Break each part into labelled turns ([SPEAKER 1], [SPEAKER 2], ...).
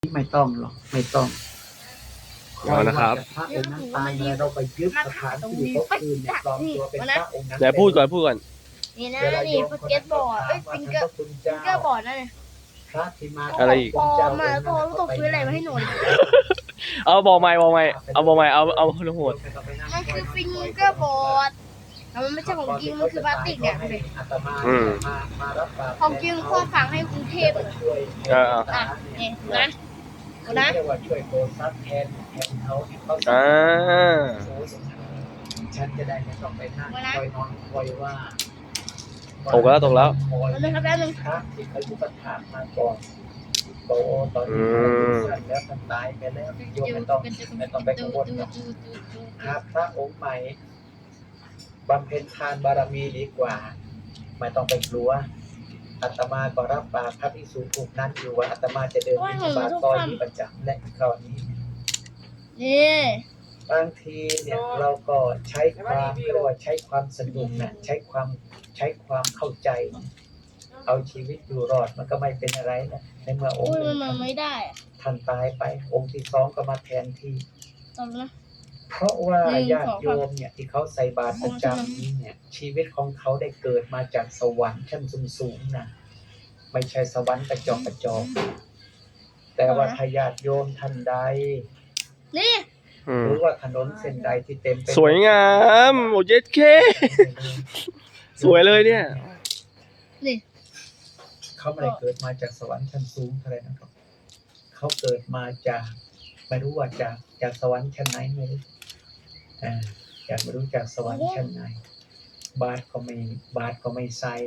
[SPEAKER 1] ไม่ต้องหรอกไม่ต้อง
[SPEAKER 2] เอานะครับ
[SPEAKER 1] พระองค์นั้นตายแล้วเราไปยึดสถานที่เขาคืนเนี่ยปลอมตัวเป็นพระองค์นั้น
[SPEAKER 2] เดี๋ยวพูดก่อน
[SPEAKER 3] นี่นะนี่สเก็ตบอร์ดฟิงเกอร์บอร์ดนั่นเลย
[SPEAKER 1] พระที่มา
[SPEAKER 2] อะไรอีก
[SPEAKER 3] ปลอมมาแล้วก็ต้องซื้ออะไรมาให้หนู
[SPEAKER 2] เอาบอกใหม่เอาโหด
[SPEAKER 3] มันคือฟิงเกอร์บอร์ดแต่มันไม่ใช่ของจริงมันคือพลาสติกเนี่ยของจริงข้อฝังให้กรุงเทพอ่ะนี่นะนะ
[SPEAKER 1] เรียกว่าช่วยโกซับแทนเขาที่เขาฉันจะได้ไม่ต้องไปนั่งคอยนอนคอยว่า
[SPEAKER 2] ตกแล้ว
[SPEAKER 3] แล้วครับแล้วนึง
[SPEAKER 1] พระที่เขาอุปถากมาก่อนโตตอนนี้แล้วท่านตายไปแล้วโยมไม่ต้องไปกังวลหรอกหาพระองค์ใหม่บำเพ็ญทานบารมีดีกว่าไม่ต้องไปกลัวอาตมาก็รับปากพระภิกษุกลุ่มนั้นอยู่ว่าอาตมาจะเดินบิณฑบาตตอนนี้ประจำและคราวนี้
[SPEAKER 3] นี่
[SPEAKER 1] บางทีเนี่ยเราก็ใช้ความเรียกว่าใช้ความสนุกนะใช้ความเข้าใจ เอาชีวิตอยู่รอดมันก็ไม่เป็นอะไรนะในเมื่อองค์
[SPEAKER 3] มันไม่ได้
[SPEAKER 1] ท่านตายไปองค์ที่สองก็มาแทนที่
[SPEAKER 3] ตอนนะ
[SPEAKER 1] เพราะว่าญาติโยมเนี่ยที่เขาใส่บาตรประจำนี้เนี่ยชีวิตของเขาได้เกิดมาจากสวรรค์ชั้นสูงๆนะไม่ใช่สวรรค์กระจอกแต่ว่าถ้าญาติโยมท่านใด
[SPEAKER 3] นี่
[SPEAKER 1] หรือว่าถนนเส้นใดที่เต็มไป
[SPEAKER 2] สวยงามโอ้เย็ดเคสวยเลยเนี่ย
[SPEAKER 3] นี่
[SPEAKER 1] เขาไม่ได้เกิดมาจากสวรรค์ชั้นสูงเท่าไหร่นะครับเขาเกิดมาจากไม่รู้ว่าจากสวรรค์ชั้นไหนไม่รู้จากไม่รู้จากสวรรค์ชั้นไหนบาตรก็ไม่ใส่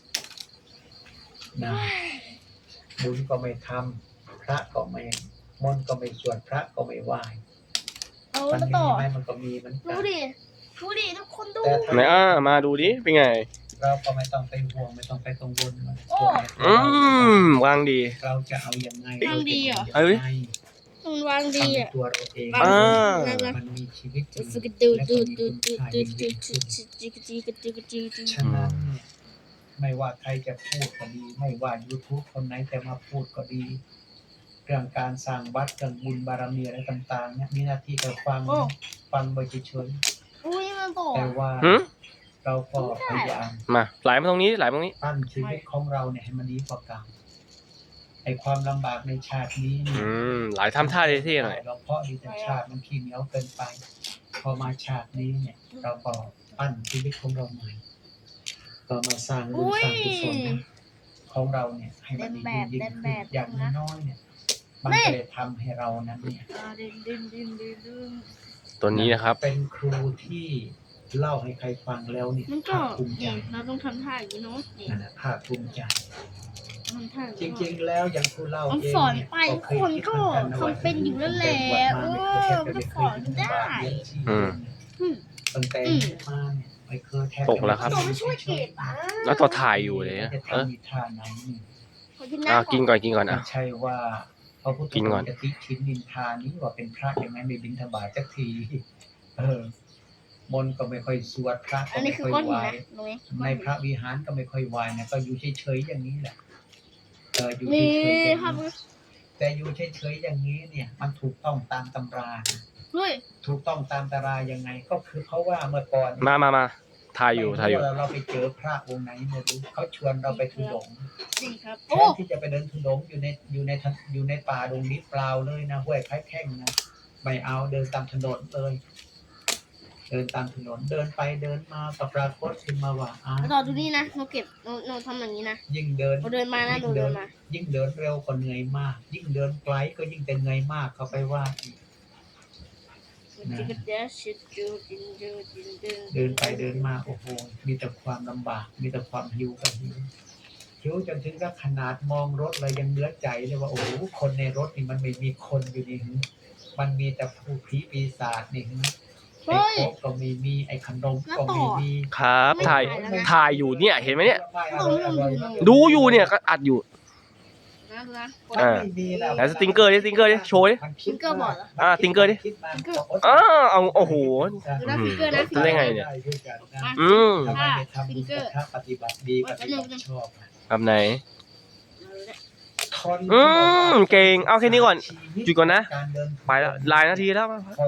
[SPEAKER 1] นะบุญก็ไม่ทำพระก็ไม่มนต์ก็ไม่สวดพระก็ไม่ไหว้
[SPEAKER 3] เอา
[SPEAKER 1] มัน
[SPEAKER 3] มา
[SPEAKER 1] มี
[SPEAKER 3] ต่อ
[SPEAKER 1] ไหมมันก็มีเหมือนกั
[SPEAKER 3] ดู
[SPEAKER 1] น
[SPEAKER 3] ดิทุกคนดู
[SPEAKER 1] แต่ถ้า
[SPEAKER 2] ไหนมาดูดิเป็นไง
[SPEAKER 1] เราก็ไม่ต้องไปห่วงไม่ต้องไปกังวลมัน
[SPEAKER 2] วางดี
[SPEAKER 1] เราจะเอายังไง
[SPEAKER 3] วางดีเหรอ
[SPEAKER 2] เอ้ย
[SPEAKER 3] มันวางดีอ่ะ
[SPEAKER 1] ตัวเราเอง มันมีชีวิตอยู่
[SPEAKER 3] สกิด
[SPEAKER 1] และ
[SPEAKER 3] ดู
[SPEAKER 1] ก็มีคุณค่ายิ่งยิ่งขึ้นฉะนั้นเนี่ยไม่ว่าใครจะพูดก็ดี ไม่ว่า YouTube คนไหนจะมาพูดก็ดี เรื่องการสร้างวัดเรื่องบุญบารมีอะไรต่างๆเนี่ยมีหน้าที่แต่ฟังไปเฉย
[SPEAKER 3] อุ้ยมันต่อ
[SPEAKER 1] ๆแต่ว่าเราก็พยายาม
[SPEAKER 2] มาไหลมาตรงนี้ไหลมาตรงนี้
[SPEAKER 1] ปั้นชีวิตของเราเนี่ยให้มันดีกว่าเก่าไอ้ความลำบากในชาตินี้เนี่ย
[SPEAKER 2] ไหลทำท่าเท่ๆหน่อย
[SPEAKER 1] เราเพราะดีแต่ชาติมันขี้เหนียวเกินไป พอมาชาตินี้เนี่ย เราก็ปั้นชีวิตของเราใหม่ก็มาสร้างบุญสร้างกุศลของเราเนี่ยให้มันดียิ่งขึ้นอย่างน้อยๆเนี่ยมันก็เลยทำให้เรานั้นเนี่ย
[SPEAKER 2] ตัวนี้นะครับ
[SPEAKER 1] เป็นครูที่เล่าให้ใครฟังแล้วเนี่ย
[SPEAKER 3] มันก็
[SPEAKER 1] ภาคภูมิใจ
[SPEAKER 3] เราต้องทำท่าอย่างนี้เนาะนี่
[SPEAKER 1] นั่นแหละภาคภูมิใจ
[SPEAKER 3] ทำท่า
[SPEAKER 1] จริงๆแล้วอย่างครูเล่า
[SPEAKER 3] มัน
[SPEAKER 1] เอง
[SPEAKER 3] สอน
[SPEAKER 1] เนี่ย
[SPEAKER 3] ไปทุกคนก็ทำเป็นอยู่นั่นแหละมันก็สอนได้
[SPEAKER 1] ตั้งแต่มาเนี่ยไม่เคยแทบ
[SPEAKER 2] ตกแล้วครับ
[SPEAKER 3] ตัวไม่ช่วยเก็บอ่ะ
[SPEAKER 2] แล้วตัวถ่ายอยู่เลยนะ
[SPEAKER 1] จะทำมีท่าไหนนี่
[SPEAKER 2] กินก่อน
[SPEAKER 1] ไม่ใช่ว่าพระพุทธ
[SPEAKER 2] กินก่
[SPEAKER 1] อ
[SPEAKER 2] อน
[SPEAKER 1] งค์จะติชินนินทานี้ว่าเป็นพระอย่างนั้นไม่บิณฑบาตสักทีมนต์ก็ไม่ค่อยสวดพระก็
[SPEAKER 3] อันนี้
[SPEAKER 1] ไม่
[SPEAKER 3] คือ
[SPEAKER 1] ค่อย
[SPEAKER 3] ก้อน
[SPEAKER 1] ไห
[SPEAKER 3] หิ
[SPEAKER 1] ว้
[SPEAKER 3] นนะตรงนี้
[SPEAKER 1] ในพระวิหารก็ไม่ค่อยไหว้นะก็อยู่เฉยๆอย่างนี้แหละอยู่
[SPEAKER 3] นี่
[SPEAKER 1] เฉยๆอย่าง
[SPEAKER 3] ครับ
[SPEAKER 1] นี้แต่อยู่เฉยๆอย่างนี้เนี่ย มันถูกต้องตามตำรานะ
[SPEAKER 3] เฮ้ย
[SPEAKER 1] ถูกต้องตามตำรายังไง ก็คือเพราะว่าเมื่อก่อน
[SPEAKER 2] มาถ่ายอยู่
[SPEAKER 1] เราไปเจอพระองค์ไหนไม่รู้เขาชวนเราไปทุดงค์
[SPEAKER 3] นี่ครับ
[SPEAKER 1] แท
[SPEAKER 3] โอ้
[SPEAKER 1] นที่จะไปเดินทุดงค์อยู่ในป่าดงนี้เปล่าเลยนะห้วยไผ่แข้งนะไม่เอาเดินตามถนนเลยเดินตามถนนเดินไปเดินมาก็ปรากฏขึ้นมาว่า
[SPEAKER 3] ต่อดูนี่นะเราเก็บเราทำอย่างนี้นะ
[SPEAKER 1] ยิ่งเดิน
[SPEAKER 3] เราเดินมานะเราเดินมา
[SPEAKER 1] ยิ่งเดินเร็วก็เหนื่อยมาก ยิ่งเดินไกลก็ยิ่งแต่เหนื่อยมากเขาไปว่าอีกเดินไปเดินมาโอ้โหมีแต่ความลำบากมีแต่ความหิวกับหิวจนถึงกับขนาดมองรถเลยยังเนื้อใจเลยว่าโอ้โหคนในรถนี่มันไม่มีคนอยู่นี่มันมีแต่ผู้ผีปีศาจนี่ไอ้โคกก็ไม่มีไอ้ขนมก็ไม่มี
[SPEAKER 2] ครับถ่ายอยู่เนี่ยเห็นไหมเนี่ย ดูอยู่เนี่ยก็อัดอยู่
[SPEAKER 3] นะ
[SPEAKER 1] ไม่มีแล้ว
[SPEAKER 2] ไหนสติงเกอร์ดิโชว์ดิ
[SPEAKER 3] ฟิงเกอร์บอร์ดเหรอ
[SPEAKER 2] สติงเกอร์ดิเอาโอ้โห
[SPEAKER 3] ดูนะฟิงเกอร์นะ
[SPEAKER 2] จะได้ไงเนี่ย
[SPEAKER 1] ทำไมไปทำบุญกับพระปฏิบัติดีกับที่ชอบ
[SPEAKER 2] แบบไหน
[SPEAKER 1] ทคน
[SPEAKER 2] เก่งเอาแค่นี้ก่อนหยุดก่อนนะ
[SPEAKER 1] การเดิน
[SPEAKER 2] ไปแล้วหลายนาทีแล้ว